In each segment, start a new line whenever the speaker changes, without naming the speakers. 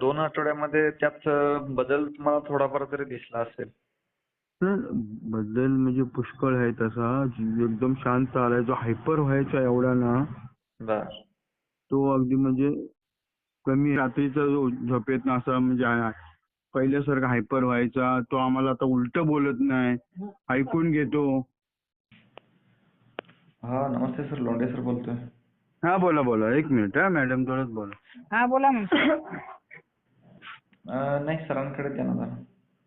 2 आठवड्यामध्ये त्यात बदल तुम्हाला थोडाफार तरी दिसला असेल.
तर बदल म्हणजे पुष्कळ आहे तसा. एकदम शांत आलाय. जो हायपर व्हायचा एवढा ना,
बर.
तो अगदी म्हणजे कमी रात्रीचा जो झोपेत ना असा म्हणजे पहिल्यासारखा हायपर व्हायचा. तो आम्हाला आता उलट बोलत नाही. ऐकून घेतो.
हा, नमस्ते सर, लोंढे सर बोलतोय.
हा बोला बोला. एक मिनिट हा मॅडम, थोडंच बोला.
हा बोला मग.
नाही, सरांकडे द्या ना जरा.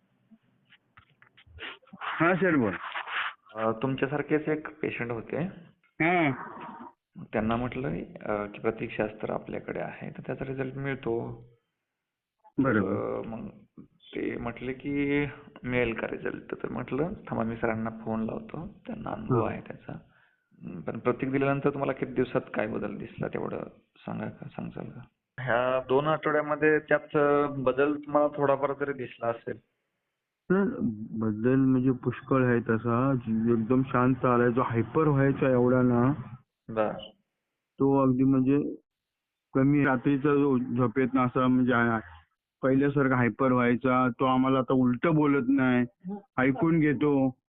हा सर बोला.
तुमच्यासारखेच एक पेशंट होते.
हा
त्यांना म्हटलं की प्रतीकशास्त्र आपल्याकडे आहे, तर त्याचा रिझल्ट मिळतो.
बरोबर.
मग ते म्हटले की मिळेल का रिझल्ट, तर म्हटलं थांबा मी सरांना फोन लावतो, त्यांना अनुभव आहे त्याचा. पण प्रतीक दिल्यानंतर तुम्हाला किती दिवसात काय बदल दिसला तेवढं सांगाल का? ह्या 2 आठवड्यामध्ये त्यात बदल तुम्हाला थोडाफार तरी दिसला असेल.
तर बदल म्हणजे पुष्कळ आहे तसा. एकदम शांत आलाय. जो हायपर व्हायचा एवढा ना,
बर.
तो अगदी म्हणजे कमी रात्रीचा जो झोपेत ना असा म्हणजे पहिल्यासारखा हायपर व्हायचा. तो आम्हाला आता उलट बोलत नाही. ऐकून घेतो.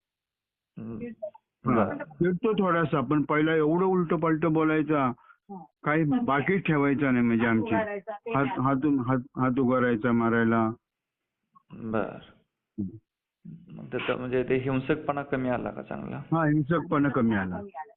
हा,
बर.
फिरतो थोडासा. पण पहिला एवढं उलट पलट बोलायचा, काही बाकीच ठेवायचा नाही. म्हणजे आमची हात उगारायचा मारायला.
बर. मग त्याचा म्हणजे ते हिंसकपणा कमी आला का चांगला?
हा, हिंसकपणा कमी आला.